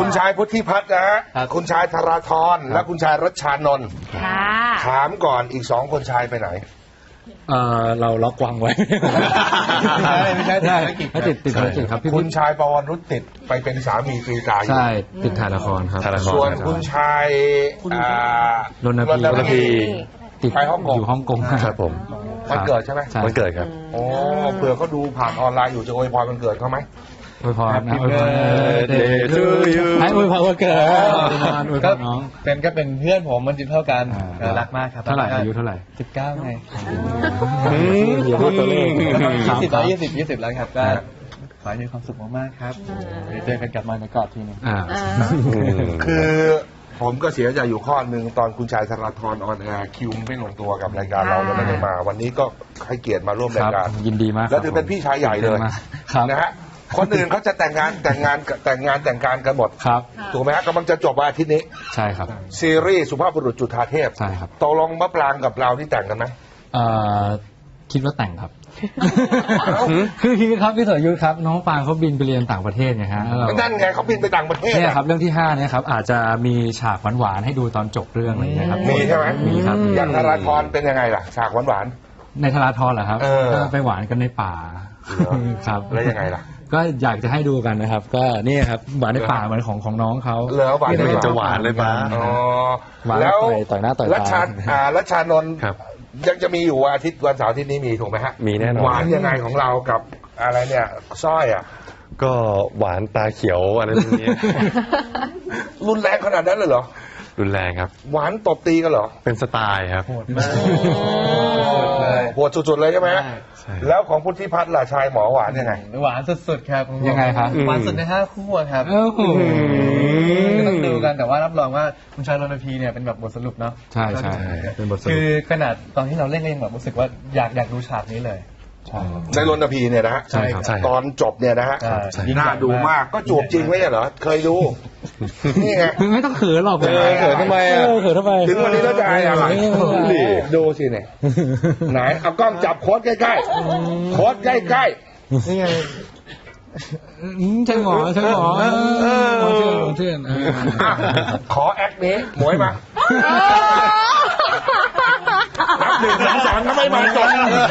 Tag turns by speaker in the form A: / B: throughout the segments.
A: ชายพุทธิพัฒน์นะฮะคุณชายธราธรและคุณชายรัชชานนท์ถามก่อนอีก2 คนชายไปไหน
B: เราล็อกวางไว้
C: ไม่ใช่ติดภารกิจครับ
A: คุณชายปวรรุตติดไปเป็นสามีกรีตาอยู่
C: ใช่ติดถ่ายละครครับ
A: ส่วนคุณชาย
C: รณพีติด
A: ไปฮ่องกง
C: อยู่ฮ่องกง
B: ครับผม
A: วันเกิดใช่ไหม
B: วันเกิดครับ
A: โอ้เผื่อเขาดูผ่านออนไลน์อยู่จะอวยพรวันเกิดเขาไหม
C: อวยพรนะอวยพรให้อวยพรวันเกิด
D: ก็เป็นเพื่อนผมมันจิตเท่ากันรักมากครับ
C: เท่าไหร่อายุเท่าไหร่
D: 19ไง
C: เดี๋ยวตัวเลข
D: 20แล้วครับก็ขอให้มีความสุขมากๆครับเจอกันกลับมาในกอดทีนึง
A: คือผมก็เสียใจอยู่ข้อหนึ่งตอนคุณชายธราธรออนแอร์คิวไม่ลงตัวกับรายการเราแล้วไม่ได้มาวันนี้ก็ให้เกียรติมาร่วมรายการ
C: ยินดีมาก
A: แล้วถือเป็นพี่ชายใหญ่เลยนะฮะคนอื่นเขาจะแต่งงานกันหมดถูกไหมฮะกำลังจะจบวันอาทิตย์นี้
C: ใช่ครับ
A: ซีรีส์สุภาพบุรุษจุฑาเทพ
C: ใช่ครับ
A: ตกลงมะปรางกับเราที่แต่งกันไหม
C: คิดว่าแต่งครับคือครับพี่สรยุทธครับน้องปางเขาบินไปเรียนต่างประเทศไงฮะ
A: นั่นไงเขาบินไปต่างประเทศ
C: เนี่ยครับเรื่องที่5เนี่ยครับอาจจะมีฉากหวานๆให้ดูตอนจบเรื่องอะไรอย่างเงี้ยครับ
A: มีใช่ไหม
C: มีครับ
A: อย่างธราธรเป็นยังไงล่ะฉากหวาน
C: ในธราธรเหรอครับไปหวานกันในป่า
A: ครับแล้วยังไงล่ะ
C: ก็อยากจะให้ดูกันนะครับก็นี่ครับหวานในป่าเหมือนของน้องเขา
A: แล้วหวาน
B: จะหวานเลยป่ะ
A: แล้ว
C: ต่อยหน้าต่อยตา
A: รัชชานนท์ยังจะมีอยู่อาทิตย์วันเสาร์อาทิตย์นี้มีถูกไหมฮะ
B: มีแน่นอน
A: หวานยังไงของเรากับอะไรเนี่ยสร้อยอ่ะ
B: ก็หวานตาเขียวอะไรแบบนี้
A: รุนแรงขนาดนั้นเลยเหรอ
B: รุนแรงครับ
A: หวานตบตีกันเหรอ
B: เป็นสไตล์ครับ
D: โหดมาก
A: โหดสุดๆเลยใช่ไหมแล้วของพุทธิพัฒน์ล่ะชายหมอหวานยังไง
D: หวานสุดๆครับ
C: ยังไงครับ
D: หวานสุดใน5 คู่ครับต้องดูกันแต่ว่ารับรองว่าคุณชายรณพีเนี่ยเป็นแบบบทสรุปเนาะ
C: ใช่ใช่เป็นบทสรุป
D: คือขนาดตอนที่เราเล่นแบบรู้สึกว่าอยากดูฉากนี้เลย
A: ในรณพีเนี่ยนะฮะตอนจบเนี่ยนะฮะน่าดูมากก็จูบจริงไหมเหรอเคยดูนี่ไง
C: ไม่ต้องเขินหรอก
A: เขินทำไม
C: เขินทำไม
A: ถึงวันนี้แล้วจะอะไรดูสิเนี่ยไหนเอากล้องจับโค้ดใกล้ๆโค้ดใกล้ๆนี่ไง
C: ใช่หมอเชื่อน
A: ขอแอคนี้หมวยมา1 2 3ทำไมมาจบ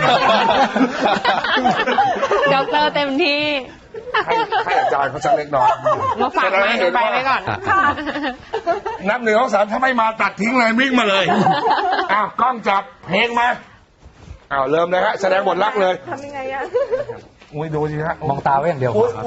E: ด็อกเตอร์เต็มที่
A: ให้อาจารย์เขาสักเล็กน้อย
E: มาฝากไปก่อน
A: นับ1 2 3ถ้าไม่มาตัดทิ้งเลยวิ่งมาเลยกล้องจับเพลงมาเริ่มเลยฮะแสดงบทรักเลย
E: ทำยังไงอะ
A: อุ้ยดูสิฮะ
C: มองตาไว้อย่างเดียวครับ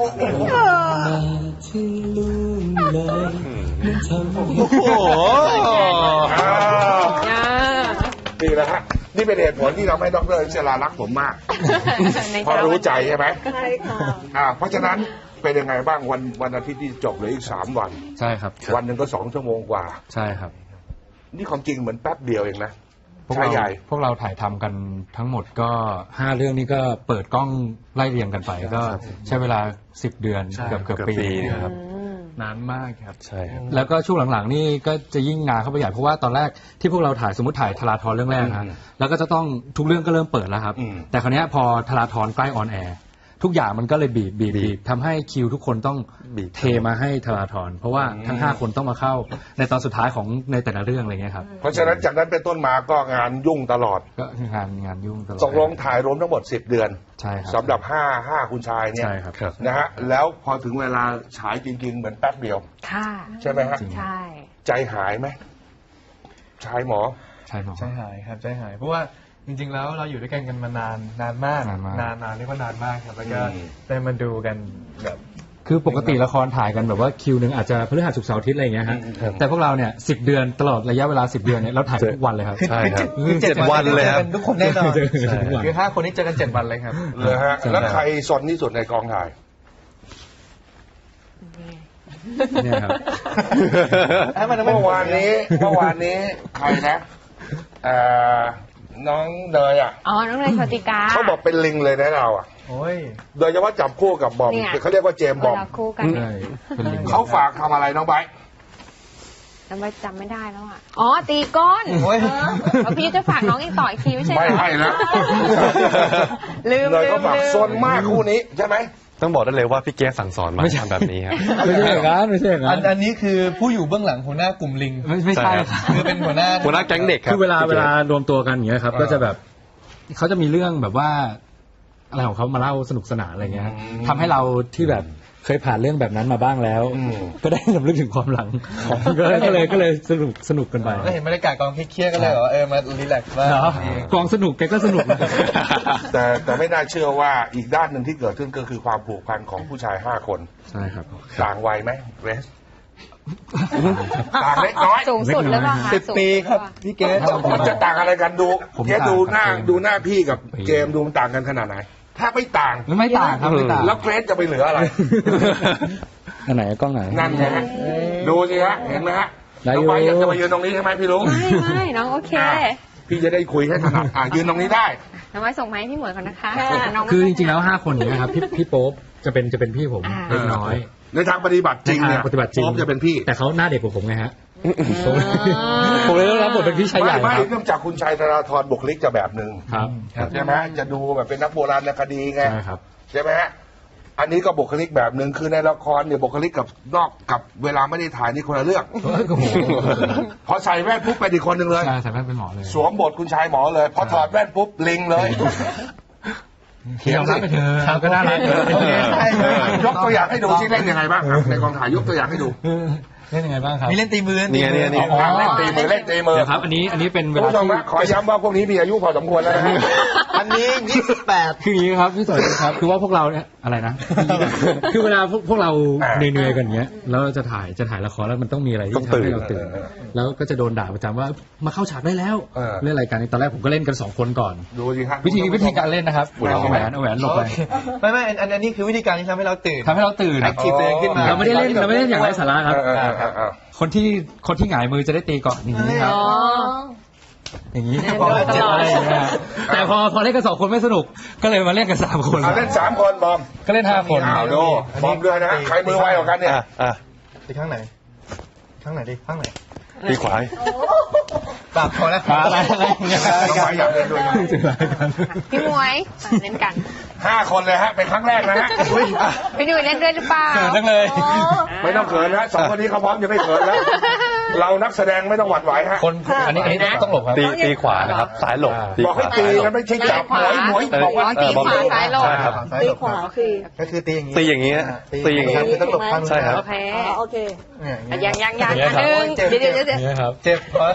A: ดีแล้วฮะนี่เป็นเหตุผลที่เราไม่ดร.เชลารักผมมากเพราะรู้ใจใช่ไหม
E: ใช่ค่ะ
A: เพราะฉะนั้นเป็นยังไงบ้างวันอาทิตย์ที่จบเหลืออีก3 วัน
C: ใช่ครับ
A: วันหนึ่งก็2 ชั่วโมงกว่า
C: ใช่ครับ
A: นี่ของจริงเหมือนแป๊บเดียวเองนะ
C: พวกเราถ่ายทำกันทั้งหมดก็5 เรื่องนี้ก็เปิดกล้องไล่เรียงกันไปก็ใช้เวลา10 เดือนเกือบปีครับนานมากครับ
B: ใช่ครับ
C: แล้วก็ช่วงหลังๆนี่ก็จะยิ่งงานเข้าไปใหญ่เพราะว่าตอนแรกที่พวกเราถ่ายสมมติถ่ายธราธรเรื่องแรกนะแล้วก็จะต้องทุกเรื่องก็เริ่มเปิดแล้วครับแต่คราวนี้พอธราธรใกล้ออนแอร์ทุกอย่างมันก็เลยบีบทำให้คิวทุกคนต้องเทมาให้ธราธรเพราะว่าทั้ง5 คนต้องมาเข้าในตอนสุดท้ายของในแต่ละเรื่องอะไรเงี้ยครับ
A: เพราะฉะนั้นจากนั้นเป็นต้นมาก็งานยุ่งตลอด
C: ก็งานยุ่งตลอด
A: ตกลงถ่ายรวมทั้งหมด10 เดือน
C: ใช่ครับ
A: สำหรับ5คุณชายเนี่ย
C: ใช่ครับ
A: นะฮะแล้วพอถึงเวลาฉายจริงๆเหมือนแป๊บเดียว
E: ค่ะ
A: ใช่ไหมฮะ
E: ใช่
A: ใจหายไหมชายหมอ
D: ใจหายครับใจหายเพราะว่าจริงๆแล้วเราอยู่ด้วยกันมานานมากนานเรียกว่านานมากครับแล้วก็ได้มาดูกันแบบ
C: คือปกติละครถ่ายกันแบบว่าคิวนึงอาจจะพฤหัสศุกร์เสาร์อาทิตย์อะไรอย่างเงี้ยฮะแต่พวกเราเนี่ย10 เดือนตลอดระยะเวลา10 เดือนเนี่ยเราถ่ายทุกวันเลยครับ
B: ใช่ครับ
D: 7 วันเลยครับทุกคนแน่นอนคือ
C: 5
D: คนนี้เจอกัน7 วันเลยครับ
A: เลยฮะแล้วใครสนที่สุดในกองถ่าย
C: เนี่ยครับ
A: เมื่อวานนี้ใครนะน้องเนย
E: น้องเนยโชติกา
A: เขาบอกเป็นลิงเลยนะเราโดยเฉพาะจับคู่กับบอมเขาเรียกว่าเจมส์บอมเขาฝากทำอะไรน้องไบร์ท
E: จำไม่ได้แล้วตีก้นพี่จะฝากน้องอีกต่ออีกทีไม่ใช่
A: ไม่ให้นะ
E: ลืม
A: เลยเขาฝากโซนมากคู่นี้ใช่ไหม
B: ต้องบอกได้เลยว่าพี่เกสสั่งสอนมา
C: ไม่ใช่
B: ทำแบบนี้ครับ
C: ไม่ใช่อย่างนั้นไม่ใช่อย่างนั้น
D: อันนี้คือผู้อยู่เบื้องหลังหัวหน้ากลุ่มลิง
C: ไม่ใช่ครับ
D: คือเป็นหัวหน้า
B: หัวหน้าแก๊งเด็กครับ
C: คือเวลา
B: พี่กส
C: รวมตัวกันอย่างเงี้ยครับ ก็จะแบบเขาจะมีเรื่องแบบว่าอะไรของเขามาเล่าสนุกสนานอะไรเงี้ยทำให้เราที่แบบเคยผ่านเรื่องแบบนั้นมาบ้างแล้ว ก็ได้สำลึกถึงความหลังก็เลยสนุกกันไป
D: แล้วเห็นบรรยากาศกองเครียดๆก็เลยแบบว่ามารีแลกซ์บ้าง
C: เนาะกองสนุกแกก็สนุกนะครับ
A: แต่ไม่น่าเชื่อว่าอีกด้านหนึ่งที่เกิดขึ้นก็คือความผูกพันของผู้ชาย5 คน
C: ใช่ครับ
A: ต่างวัยไหมเรสต่างเล็กน้อย
E: สูงสุดหรือเปล่าคะ
D: 10 ปีครับพี่เกส
A: มันจะต่างอะไรกันดู
C: ผม
A: แค่
C: ต่าง
A: ดูหน้า
C: ครับ
A: ดูหน้าพี่กับเจมส์ดูมันต่างกันขนาดไหนถ้าไม่ต่าง
C: ไม่ต่างครับไม่ต่าง
A: แล้วเกรซจะไปเหลืออะไร
C: อันไหนกล้องไหน
A: นั่นไงฮะดูสิฮะเห็นไหมฮะ
C: ได้
A: น้
C: อ
A: อยู่ งไปอยากจะมายืนตรงนี้ใช่ไหมพี่ลุง
E: ไม่น้องโอเค
A: พี่จะได้คุยให้ถนัดยืนตรงนี้ได้
E: น้องไว้ส่งไม้พี่หมวยก่อนนะคะน้อง
C: คือจริงๆแล้ว5 คนเนี้ยครับพี่โป๊ปจะเป็นพี่ผมเล็กน้อย
A: ในทางปฏิบัติจริงเนี่ย
C: ในทางปฏิบัติจริง
A: โป๊ปจะเป็นพี่
C: แต่เขาหน้าเด็กกว่าผมไงฮะผมเลยต้องรับบทเป็นพี่ชายใหญ่
A: ไม่
C: ครับ
A: เนื่องจากคุณชัยธราธรบุคลิกจะแบบหนึ่ง
C: ครับ
A: ใช่ไหมจะดูแบบเป็นนักโบราณคดีไง
C: ใช่ครับ
A: ใช่ไหมฮะอันนี้ก็บุคลิกแบบหนึ่งคือในละครเนี่ยบุคลิกกับนอกกับเวลาไม่ได้ถ่ายนี่คนละเรื่อง
C: โอ้โห
A: พอใส่แว่นปุ๊บเป็นอีกคนหนึ่งเลย
C: ใช่ใส่แว่นเป็นหมอเลย
A: สวมบทคุณชายหมอเลย พอถอดแว่นปุ๊บลิงเลย
C: เขียนรับไปเถอะก็น่ารัก
A: ยกตัวอย่างให้ดูที่เล่นยังไงบ้างครับในกองถ่ายยกตัวอย่างให้ดู
C: เล่นยังไงบ้างครับ
D: มีเล่นตีมือ
B: นี่ไง
A: อ๋อเล่นตีมือเล่นตีมือ
C: เดี๋ยวครับ อันนี้เป็นเว
A: คุณ
C: ลา
A: ผู้ชม
C: ที่
A: นะขอย้ำว่าพวกนี้มีอายุพอสมควรแล้วนะฮะ
D: อันนี้ 28
C: คืออย่างนี้ครับพี่สวยครับ คือว่าพวกเราเนี่ยอะไรนะ คือเวลาพวกเราเหนื่อยๆกันเงี้ยแล้วจะถ่ายละครแล้วมันต้องมีอะไรที่ทำให้เราตื่น แล้วก็จะโดนด่าประจำว่ามาเข้าฉากได้แล้วเล่นรายการนี้ตอนแรกผมก็เล่นกัน2 คนก่อน
A: ดูสิครับ
C: วิธีการเล่นนะครับเอาแหวนหลบไป
D: ไม่อันนี้คือวิธีการที่ทำให้เราตื่น
C: ทำให้เราตื่น
D: active ตัวเองขึ้นมา
C: เราไม่ได้เล่นอย่างไร้สาระครับ คนที่หงายมือจะได้ตีก่อนอย่างนี้ครับ
E: อ๋อ
C: อย่างนี้เจ็บอะไรอย่างเงี้ยแต่พอเล่นกัน2 คนไม่สนุกก็เลยมาเล่นกัน3 คน
A: เอาเล่น3 คนบอม
C: ก็เล่น5 คน
A: เอาดูบอมด้วยนะฮะใครมือไวกว่ากันเนี่ย
D: ไปข้างไหนข้างไหนดิข้างไหน
B: ตีขวา
D: ปรับพอแล้ว
C: อะไรอย่างเงี้ย
A: น้องไม้อยากเล่นด้วยนะ
E: พี่หมวยเล่นกัน
A: 5 คนเลยฮะเป็นครั้งแรกนะฮะ
E: พี่หนุ่ยเล่นด้วยหรือเปล่า
C: เกิดจังเลย
A: ไม่ต้องเขินนะ2 คนนี้เขาพร้อมจะไม่เขินแล้ว เรานักแสดงไม่ต้องหวั่นไหวฮะ
C: คนอันนี้ต้องหลบครับ
B: ตีขวานะครับซ้ายหลบ
A: บอกให้ตีกันไม่ใช่จับหมวยบอกว่า
E: ตีขวาซ้ายลง
B: ใช่ครับ
F: ตีขวาคือ
D: ก็คือตีอย่างนี้
B: ตีอย่างนี้ตีอย่างนี้
D: คือต้องหลบข้าง
B: ใช่ครับ
E: โอเค
F: โอเค
E: ยัง
C: อย่างเงี้ยครับ
E: เดี๋ยว
C: อย่างเงี้ยครับ
D: เจ็บเพราะ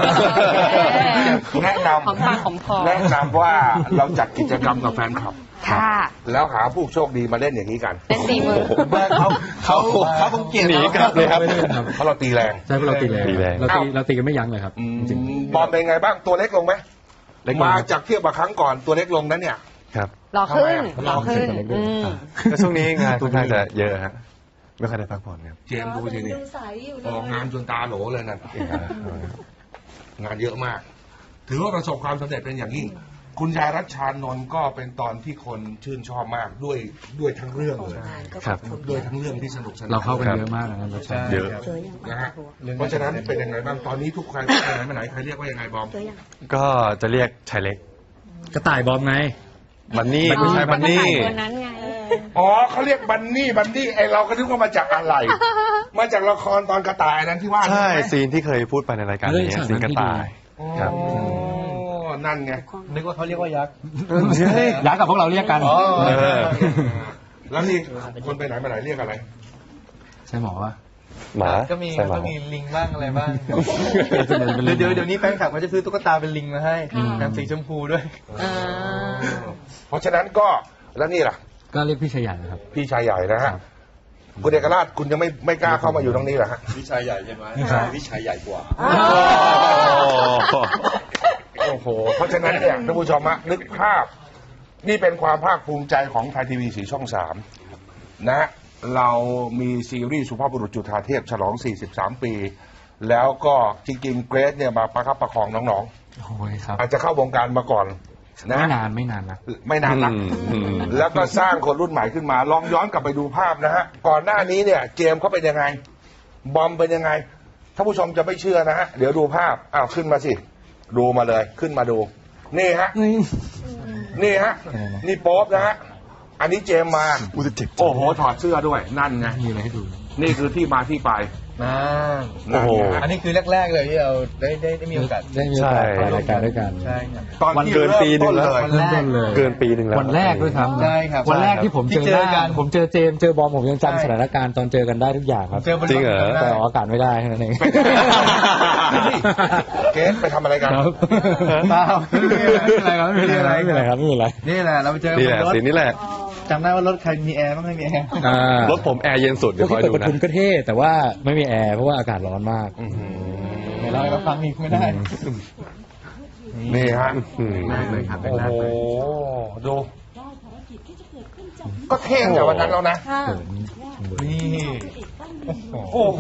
A: แนะน
E: หอมปากหอมคอ
A: ำแนะนำว่าเราจัดกิจกรรมกับแฟนคลับ
E: ค่ะ
A: แล้วหาผู้โชคดีมาเล่นอย่างนี้กัน
E: เล่นตีมือ
D: เขาคงเกลียด
B: หนีกลับเลยครับ
A: เพราะเราตีแรง
C: ใช่พวกเราตีแรง
B: ตีแรง
C: เราตีกันไม่ยั้งเลยครับจริง
A: บอมเป็นไงบ้างตัวเล็กลงไหม
C: เล็กลง
A: มาจากเทียบกับครั้งก่อนตัวเล็กลงนั้นเนี่ย
B: ครับ
E: รอขึ้น
A: ทำไม
E: ร
A: อ่ะ
E: อขึ้นอืม
B: แล้วช่วงนี้งานค่อนข้างจะเยอะฮะไม่ค่อยได้พักผ่อนครับ
A: เจมส์ดูสินี่
F: ดูใสอยู่เล
A: ออก
F: ย
A: งานจนตาโหลเลยนั่นงานเยอะมาก ถือว่าประสบความสำเร็จเป็นอย่างยิ่ง คุณยายรัชชานนท์ก็เป็นตอนที่คนชื่นชอบมากด้วยทั้งเรื่องเลย
B: ครับ
A: ด้วยทั้งเรื่องที่สนุกสนาน
C: เราเข้ากันเยอะมากนะครับ
B: เยอะ
A: นะฮะเพราะฉะนั้นเป็นยังไงบ้างตอนนี้ทุกใครไปไหนมาไหนใครเรียกว่ายังไงบอม
B: ก็จะเรียกชายเล็ก
C: กระต่ายบอมไง
B: บันนี่ไม่ใช่บันนี่
E: ตัวนั้นไง
A: อ๋อเขาเรียกบันนี่ไอเราก็นึกว่ามาจากอะไร มาจากละครตอนกระต่ายนั้นที่ว่า
B: ใช่
A: ไหม
B: ซีนที่เคยพูดไปในรายการ
C: เฮ้ย
B: นี้
C: ฉาก
B: ซีนกระต่าย ครับ
A: อ๋อนั่นไง
D: นึกว่าเขาเรียกว่ายักษ์
C: ย้ายกับพวกเราเรียกกัน
B: เออ
A: แล้วนี่คนไปไหนมาไหนเรียกอะไร
C: ใช่หมอวะ
B: หมา
D: ก็มี
B: ใช่หมา
D: ก็มีลิงบ้างอะไรบ้างเดี๋ยวนี้แฟนคลับเขาจะซื้อตุ๊กตาเป็นลิงมาให้แบบสีชมพูด้วย
E: อ่า
A: เพราะฉะนั้นก็แล้วนี่ล่ะ
C: ก็เรียกพี่ชายใหญ่นะครับ
A: พี่ชายใหญ่นะฮะคุณเอกราชคุณยังไม่กล้าเข้ามาอยู่ตรงนี้เหรอฮะ
G: วิชายใหญ่ใช่ไหมวิชายใหญ่กว่า
A: โอ้โหเพราะฉะนั้นเนี่ยท่านผู้ชมฮะนึกภาพ นี่เป็นความภาคภูมิใจของไทยทีวีสีช่อง3นะฮะเรามีซีรีส์สุภาพบุรุษจุฑาเทพฉลอง43 ปี แล้วก็จริงๆเกรซเนี่ยมาประคับประคองน้อง
C: โอ้ยครับ
A: ๆอาจจะเข้าวงการมาก่อนนะ
C: ไม่นานนะ
A: ไม่นานนะ แล้วก็สร้างคนรุ่นใหม่ขึ้นมา ลองย้อนกลับไปดูภาพนะฮะ ก่อนหน้านี้เนี่ยเจมส์เขาเป็นยังไง บอมเป็นยังไง ท่านผู้ชมจะไม่เชื่อนะฮะ เดี๋ยวดูภาพ อ้าวขึ้นมาสิ ดูมาเลย ขึ้นมาดู นี่ฮะ นี่ฮะ นี่โป๊ปนะฮะอันนี้เจมมา
B: อุตเจ็บ
A: โอ้โหถอดเสื้อด้วยนั่นไง
C: มีอะไรให้ดู
A: นี่คือที่มาที่ไป
D: โอ้โห
A: นั่นไง
D: อันนี้คือแรกๆเลยที่เราได้มีโอกาส
C: ได้มีโอกาสถ่ายรายการด้วยกัน
D: ใช่ครับ
A: ตอน
B: วัน
A: ที่
B: เกินปีหนึ่งแล้ว
A: เริ่มต้นเลย
C: เริ่มต้นเลย
B: เกินปีหนึ่งแล้ว
C: วันแรกด้วยครับ
D: ใช่ครับ
C: วันแรกที่ผมเจอ
D: ที่เจอกัน
C: ผมเจอเจมส์เจอบอมผมยัง
D: ใช่
C: จำสถานการณ์ตอนเจอกันได้ทุกอย่างครับ
D: เจอบน
B: จริงเหรอ
C: แต่ออกอากาศไม่ได้แค่นั้นเอง
A: เกสไปทำอะไรกัน
C: ครับ
D: เปล่า
C: ไม่เป็นไรครับไม่เป็นไรไม่เป็นไรครับไม่เป็นไร
D: นี่แหละเราไปเจอ
B: นี่แหละ
D: บนรถ
B: สีนี้แหละ
D: จำได้ว่ารถใครมีแอร์บ้างไม่มีแอร์
B: รถผมแอร์เย็นสุดเดี๋ยวคอย
C: เปิด
B: ดู
C: ประ
B: นะ
C: ทุนก็เท่แต่ว่าไม่มีแอร์เพราะว่าอากาศร้อนมาก
D: เดี๋ยวเราให้เขาฟังอีกไม่ได้
A: นี่ฮะ
D: แรกเลยครับ
A: โอ้
D: แรก
A: โห
D: เลย
A: ดู ก็เท่งแต่วันนั้นแล้วนะ
E: ค่ะ
D: นี่
A: โอ้โห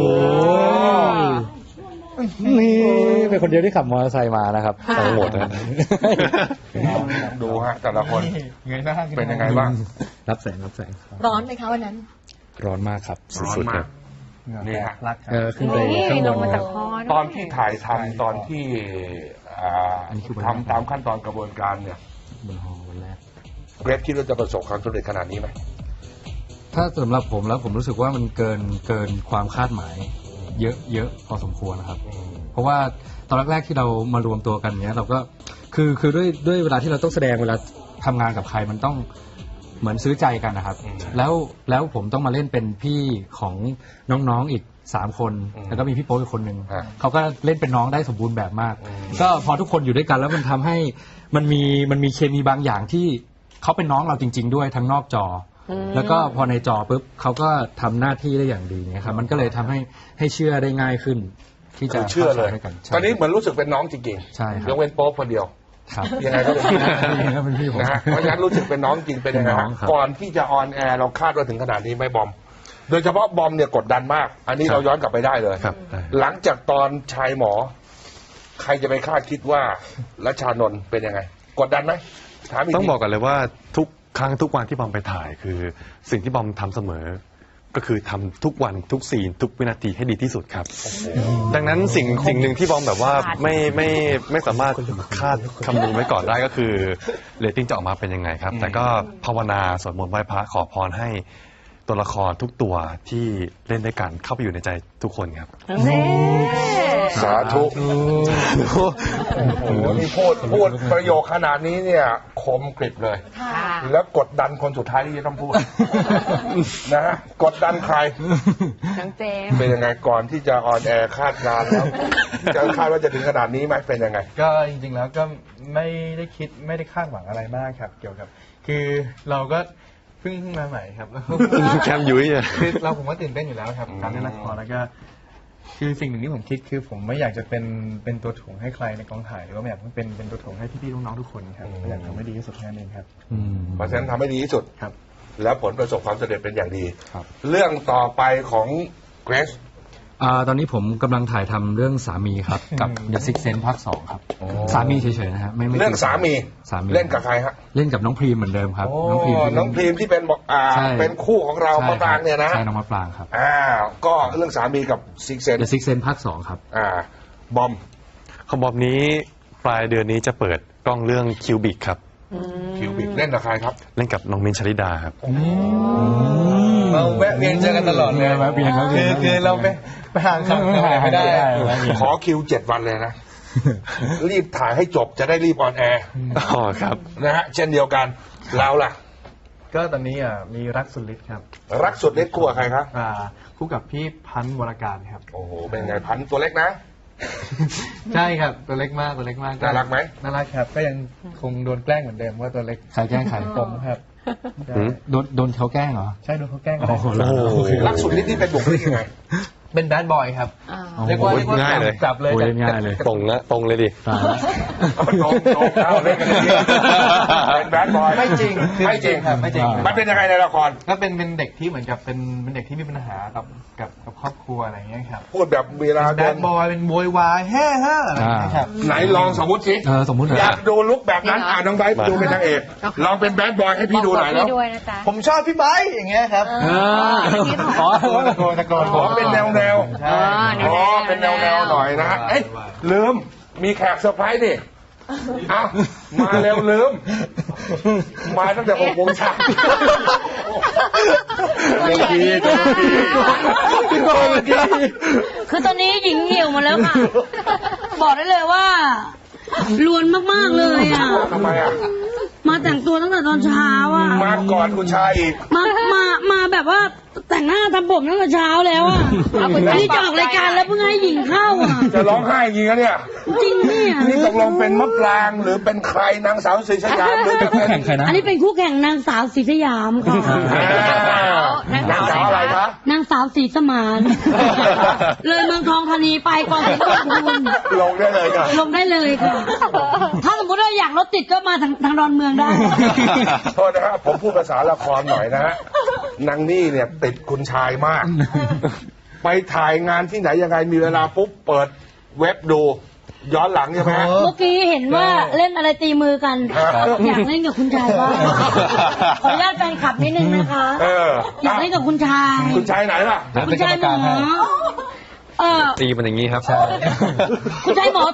C: นี่เป็นคนเดียวที่ขับมอเตอร์ไซค์มานะครับ
E: ค่ะ
C: ทั้งหมดนะ
A: ดูฮะแต่ละคน
D: เงยหน้าขึ้
A: เป็นยังไงบ้าง
C: รับแสงรับแสง
E: ร้อนไหมคะวันนั้น
C: ร้อนมากครับ
A: ร้อน
C: สุดๆ
A: มา
C: ครั
A: ก
C: บ
A: นี่ฮะ
D: รักครับ
C: ขึ้นไป
E: นี่
C: ข้างบ
E: ล
C: น
E: งมาจากคอด้วย
A: ตอนที่ถ่ายทำตอนที่ทำตามขั้นตอนกระบวนการเนี่ย
C: บนหอวันแรก
A: เกรซคิดว่าจะประสบความสำเร็จขนาดนี้ไหม
C: ถ้าสำหรับผมแล้วผมรู้สึกว่ามันเกินความคาดหมาย เยอะพอสมควรนะครับ เพราะว่าตอนแรกๆที่เรามารวมตัวกันเนี้ยเราก็คือด้วยเวลาที่เราต้องแสดงเวลาทำงานกับใครมันต้องเหมือนซื้อใจกันนะครับ แล้วผมต้องมาเล่นเป็นพี่ของน้องๆอีก3 คนแล้วก็มีพี่โป๊ปอีกคนหนึ่งเขาก็เล่นเป็นน้องได้สมบูรณ์แบบมาก ก็พอทุกคนอยู่ด้วยกันแล้วมันทำให้มันมีเคมีบางอย่างที่เขาเป็นน้องเราจริง ๆ ด้วยทั้งนอกจอ แล้วก็พอในจอปุ๊บเขาก็ทำหน้าที่ได้อย่างดีเนี่ยครับมันก็เลยทำให้เชื่อได้ง่ายขึ้น ที่จะ
A: เชื่อเลย
C: ข้าด้วยกันใช่
A: ตอนนี้เหมือนรู้สึกเป็นน้องจริง
C: ใช่ครับ
A: ยกเว้นโป๊ปคนเดียว
C: ครับ
A: ยังไงก็เป็นพี่
C: ก็เป็นพี่ผม
A: นะฮะเพราะฉะนั้นรู้สึกเป็นน้องจริงเป็นยังไง
C: เป็นน้
A: ฮะ
C: องครับ
A: ก่อนที่จะออนแอร์เราคาดว่าถึงขนาดนี้ไหมบอม โดยเฉพาะบอมเนี่ยกดดันมาก อันนี้เราย้อนกลับไปได้เลย
B: ครับได้
A: หลังจากตอนชายหมอ ใครจะไปคาดคิดว่ารัชชานนท์เป็นยังไง กดดันไหมถามอีก
B: ต้อง
A: ที
B: บอกกันเลยว่าทุกครั้งทุกวันที่บอมไปถ่ายคือ สิ่งที่บอมทำเสมอ ก็คือทำทุกวันทุกซีนทุกวินาทีให้ดีที่สุดครับ ดังนั้นสิ่งหนึ่งที่บอมแบบว่าไม่สามารถคาดคำนึงไว้ก่อนได้ก็คือเรตติ้งจะออกมาเป็นยังไงครับ แต่ก็ภาวนาสวดมนต์ไหว้พระขอพรให้ตัวละครทุกตัวที่เล่นด้วยกันเข้าไปอยู่ในใจทุกคนครับ
E: นี่
A: สาธุโอ้โหนี่พูดประโยคขนาดนี้เนี่ยคมกริบเลย
E: ค่ะ
A: แล้วกดดันคนสุดท้ายที่จะต้องพูด นะฮะกดดันใคร
E: น้องเจมส์
A: เป็นยังไงก่อนที่จะออนแอร์คาดการณ์แล้วจะคาดว่าจะถึงขนาดนี้ไหมเป็นยังไง
D: ก็จริงๆแล้วก็ไม่ได้คิดไม่ได้คาดหวังอะไรมากครับ เกี่ยวกับ คือเราก็เพิ่งมาใหม่ครับ
B: แคมยุ้ยอะ
D: คือผมก็ตื่นเต้นอยู่แล้วครับการเล่นละครแล้วก็ คือสิ่งหนึ่งที่ผมคิดคือผมไม่อยากจะเป็นตัวถ่วงให้ใครในกองถ่ายหรือว่าไม่อยากเป็นตัวถ่วงให้พี่ๆน้องๆทุกคนครับอยากทำให้ดีที่สุดแค่นั้นเองครับ
A: เพราะฉะนั้นทำให้ดีที่สุด
D: ครับ
A: แล้วผลประสบความสำเร็จเป็นอย่างดี
C: ครับ
A: เรื่องต่อไปของเกรซ
C: ตอนนี้ผมกำลังถ่ายทำเรื่องสามีครับ กับ The Sixth Sense ภาค 2 ครับ สามีเฉยๆนะฮะไม่
A: เรื่องสามี
C: สามี
A: เล่นกับใครฮะ
C: เล่นกับน้องพรีมเหมือนเดิมครับ
A: โอ้
C: น้องพรีมที่
A: น้องพรีมที่เป็นบอก
C: ใช่
A: เป็นคู่ของเรา
C: ใช่
A: มะปรางเนี่ยนะ
C: ใช่น้องมะปรางครับ
A: ก็เรื่องสามีกับซิกเซน
C: The Sixth Sense ภาค 2 ครับ
A: บอม
B: ของบอมนี้ปลายเดือนนี้จะเปิดกล้องเรื่องคิวบิกครับ
A: คิวบิกเล่นกับใครครับ
B: เล่นกับน้องมินท์ชลิดาครับ
D: เราแวะเวียนเจอกันตลอดเลย
C: แวะเวียน
D: คือเราไปห่างกันไม่ได้
A: ขอคิว7 วันเลยนะ รีบถ่ายให้จบจะได้รีบออนแอร์
B: อ๋อครับ
A: นะฮะเช่นเดียวกันเราล่ะ
D: ก็ตอนนี้มีรักสุดฤทธิ์ครับ
A: รักสุดเล็กคู่กับใครครับ
D: คู่กับพี่พันธ์วรการครับ
A: โอ้โหเป็นไงพันธุ์ตัวเล็กนะ
D: ใช่ครับตัวเล็กมาก
A: น่ารักไหม
D: น่ารักครับ ก็ยังคงโดนแกล้งเหมือนเดิมว่าตัวเล็ก
C: ใครแกล้งใคร
D: ผมครับใช่
C: โดนเขาแกล้งเหรอ
D: ใช่โดนเขาแกล้งกัน
C: โอ้โห
B: โอ้โห
A: รักสุดฤทธิ์นี่เป็นบุคลิกยังไง
D: เป็นแบดบอยครับ
E: อ่า
D: เรียกว่า
B: ง่ายเลย
D: จับเลย
C: โอ้ย
D: จับ
C: ง่ายเลย
B: ตรงนะตรงเลยดิ
C: ตายละ
A: ตรงเอาเล่นกันเลยเป็นแบดบอย
D: ไม่จริง
A: ไม่จริง
D: ครับไม่จริง
A: มันเป็นยังไงในละคร
D: ก็เป็นเด็กที่เหมือนกับเป็นเด็กที่มีปัญหากับครอบครัวอะไรอย่างเงี้ยครับ
A: พูดแบบเวลา
D: แบ
A: เดิ
D: ดบอยเป็นโวยวายแฮ่อะไรอย่างเงี้ยครับ
A: ไหนลองสมมติสิ
C: สมมุติ
A: อยากดูลุกแบบนั้นน้องไบร์ทดูเป็นนางเอกลองเป็นแบดบอยให้พี่ดูหน่อยแล้ว
E: พี่ด้วยนะจ๊ะ
D: ผมชอบพี่ไบร์ทอย่างเงี้ยครับ ตะโกน
A: ขอเป็นแนวแนว
D: ใช่
A: อ๋อเป็นแนวแนวหน่อยนะฮะเอ้ยลืมมีแขกเซอร์ไพรส์ดิอ้าวมาเร็วลืมมาตั้งแต่6 โมงเช้า
F: คือตอนนี้หญิงเหี่ยวหมาแล้วค่ะ บอกได้เลยว่าลวนมากๆเลยอ่ะ
A: ทำไมอ่ะ
F: มาแต่งตัวตั้งแต่ตอนเช้าอ่ะ
A: มาก่อนคุณชายอีก
F: มาแบบว่าแต่งหน้าทำผมตั้งแต่เช้าแล้วอ่ะนี่จะออกรายการแล้วเพิ่งให้หญิงเข้าอ่ะ
A: จะร้องไห้จริงนะเนี่ย
F: จริงเนี่ย
A: นี่ตกลงเป็นมะปรางหรือเป็นใครนางสาวศรีสยามหรือ
C: เป็นคู่แข่งใครนะ
F: อันนี้เป็นคู่แข่งนางสาวศรีสยามค่ะ
A: นางสาวอะไรคะ
F: นางสาวศรีสมานเลยเมืองทองธานีไปกองทัพคุณ
A: ลงได้เลยค่ะ
F: ลงได้เลยค่ะ ถ้าสมมติว่าอยากรถติดก็มาทางดอนเมืองได้
A: โทษนะครับผมพูดภาษาละครหน่อยนะฮะนางนี่เนี่ยติดคุณชายมาก ไปถ่ายงานที่ไหนยังไงมีเวลาปุ๊บเปิดเว็บดู ย้อนหลังใช่ไหมฮะ
F: เมื่อกี้เห็นว่าเล่นอะไรตีมือกัน อยากเล่นกับคุณชายบ้างขออนุญาตแฟนคลับนิดนึงนะคะ อยากเล่นกับคุณชาย
A: คุณชายไหนล่ะ
F: คุณชายหมอ
B: ตีมันอย่างนี้ครับ
F: คุณชายหมอ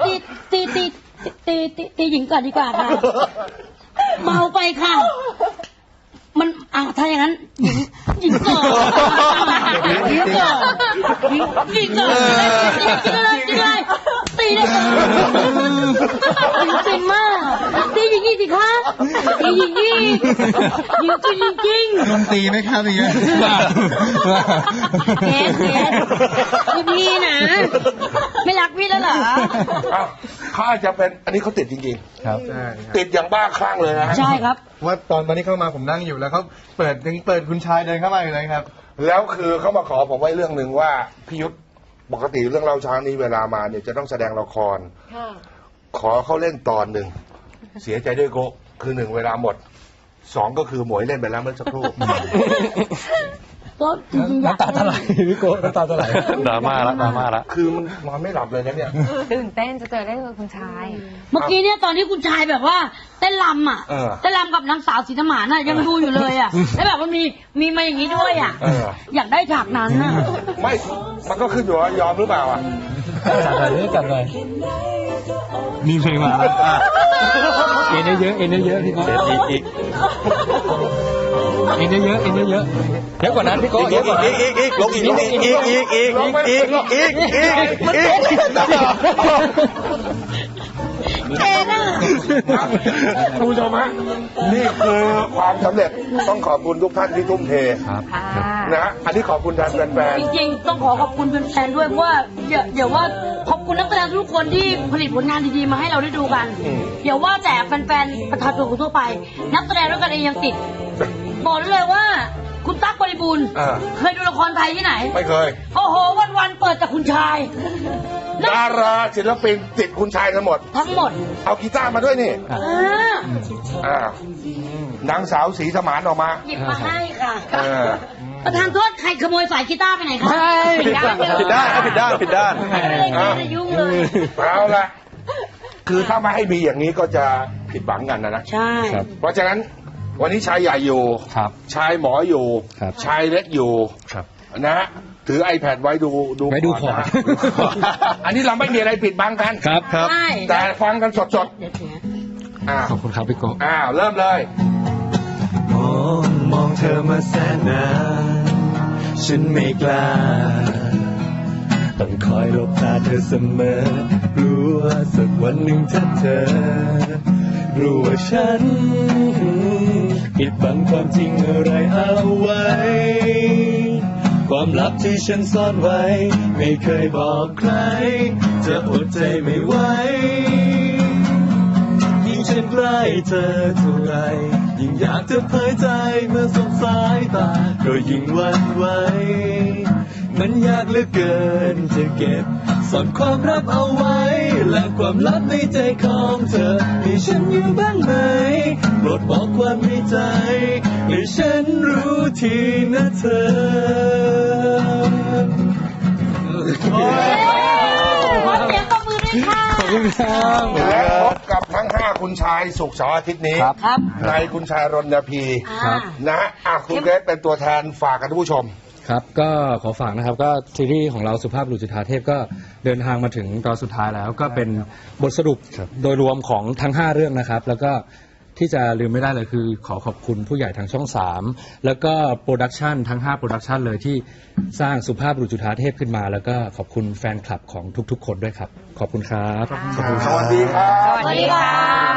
F: ตีหญิงก่อนดีกว่าค่ะเมาไปค่ะ มันถ้าอย่างนั้นหญิงก่อนหญิงก่อนหญิงก่อนกินอะไรตีได้ก่อนหญิงเป็นมากตีหญิงอีกสิคะตีหญิงอีกหญิงจริง
D: ลงตีไหมครับอย่างเงี้ย
F: เกสพี่นะไม่รักพี่แล้วเหรอ
A: เขาอาจจะเป็นอันนี้เขาติดจริง
C: ครับ
D: ใช่
A: ๆ ติดอย่างบ้าคลั่งเลยนะ
F: ใช่ครับ
D: ว่าตอนนี้เข้ามาผมนั่งอยู่แล้วเขาเปิดคุณชายเดินเข้ามาอยู่เลยครับ
A: แล้วคือเขามาขอผมไว้เรื่องหนึ่งว่าพี่ยุทธปกติเรื่องเล่าช้างนี้เวลามาเนี่ยจะต้องแสดงละคร ขอเขาเล่นตอนหนึ่งเสียใจด้วยโกะคือ1 เวลาหมด 2 ก็คือหมวยเล่นไปแล้วเมื่อสักครู่
F: ก็จริงๆอยาก
C: น้ำตาจะไหลพี่โกน้ำตาจะไหล
B: ดราม่าละ
A: คือมันนอนไม่หลับเลยนะเนี่ย
E: ตื่นเต้นจะเจอได้กับคุณชาย
F: เมื่อกี้เนี่ยตอนที่คุณชายแบบว่าเต้นรำอ่ะ เต้นรำกับนางสาวศรีธมานอ่ะยังดูอยู่เลยอ่ะแล้วแบบมันมีมาอย่างนี้ด้วยอ่ะ อยากได้ฉากนั้นอ่ะ
A: ไม่ มันก็ขึ้นอยู่ว่ายอมหรือเปล่าอ่ะ
C: จัดเลยจัดเลยมีเพลงมาแล้วเอ็นเยอะพี่โก้
B: อีก
C: เอ็นเยอะเยอะกว่านั้นพี่โก้เยอะกว่านั้น
B: ลงอีก
F: เอ็นอ่ะ
A: คุณผู้ชมฮะนี่คือความสำเร็จต้องขอบคุณทุกท่านที่ทุ่มเท
C: ครับ
A: นะฮะอันนี้ขอบคุณแทนแฟน
F: จริงๆต้องขอบคุณแฟนๆด้วยเพราะว่าเดี๋ยวว่าขอบคุณนักแสดงทุกคนที่ผลิตผลงานดีๆมาให้เราได้ดูกันเดี๋ยวว่าแต่แฟนๆประชาชนทั่วไป นักแสดงด้วยกันเองยังติดบอกได้เลยว่าคุณตั๊กบริบูรณ์เคยดูละครไทยที่ไหน
A: ๆไม่เคย
F: โอ้โหวันๆเปิดแต่คุณชาย
A: ดาราศิลปินติดคุณชายกันหมด
F: ทั้งหมด
A: เอากีตาร์มาด้วยนี่
F: อ่าน
A: างสาวศรีสมานออกมา
F: หยิบมาให้ค่ะ
A: เออ
F: ประธานโทษใครขโมยสายกีตาร์ไปไหนคะ
B: ผิดด้าน
F: ไม่ได้ยุ่งเลย
A: เอาละคือถ้าไม่ให้มีอย่างนี้ก็จะผิดหวังกันนะ
F: ใช่
A: เพราะฉะนั้นวันนี้ชายใหญ่อยู่
C: ครับ
A: ชายหมออยู่
C: ครับ
A: ชายเล็กอยู่
C: ครับ
A: นะฮะถือ iPad ไว้ดู
C: ไว้ดูก่อน
A: นะฮะอันนี้เราไม่มีอะไรปิดบังกัน
C: ครับ
F: ใช่
A: แต่ฟังกันสด
F: เดี๋ยวเถียง
A: ๆอ้าว
C: ขอบคุณครับพี่โก้
A: เริ่มเลย
H: มองเธอมาแสนนานฉันไม่กล้าต้องคอยหลบตาเธอเสมอรู้ว่าสักวันหนึ่งถ้าเธอรู้ว่าฉันปิดบังความจริงอะไรเอาไว้ ความลับที่ฉันซ่อนไว้ ไม่เคยบอกใคร จะอดใจไม่ไหวยิ่งฉันใกล้เธอเท่าไรยิ่งอยากจะเผยใจเมื่อสบสายตาก็ยิ่งหวั่นไหวมันยากเหลือเกินจะเก็บซ่อนความลับเอาไว้และความลับในใจของเธอให้ฉันอยู่บ้างไหมโปรดบอกความในใจให้ฉันรู้ทีนะเธอ
F: ขอเสียงตบมือด้วยค่ะ
C: ขอบคุณครับ
A: และพบกับทั้ง 5 คุณชายศุกร์เสาร์อาทิตย์นี้
F: ครับ
A: ในคุณชายรณพี
F: อ่า
A: นะฮะคุณเกรซเป็นตัวแทนฝากกับท่านผู้ชม
C: ครับก็ขอฝากนะครับก็ซีรีส์ของเราสุภาพบุรุษจุฑาเทพก็เดินทางมาถึงตอนสุดท้ายแล้วก็เป็นบทสรุปโดยรวมของทั้ง5เรื่องนะครับแล้วก็ที่จะลืมไม่ได้เลยคือขอขอบคุณผู้ใหญ่ทางช่อง 3 แล้วก็โปรดักชันทั้ง5โปรดักชันเลยที่สร้างสุภาพบุรุษจุฑาเทพขึ้นมา แล้วก็ขอบคุณแฟนคลับของทุกๆคนด้วยครับขอบคุณครับ
A: สวัสดีครับ
E: สวัสดีค่ะ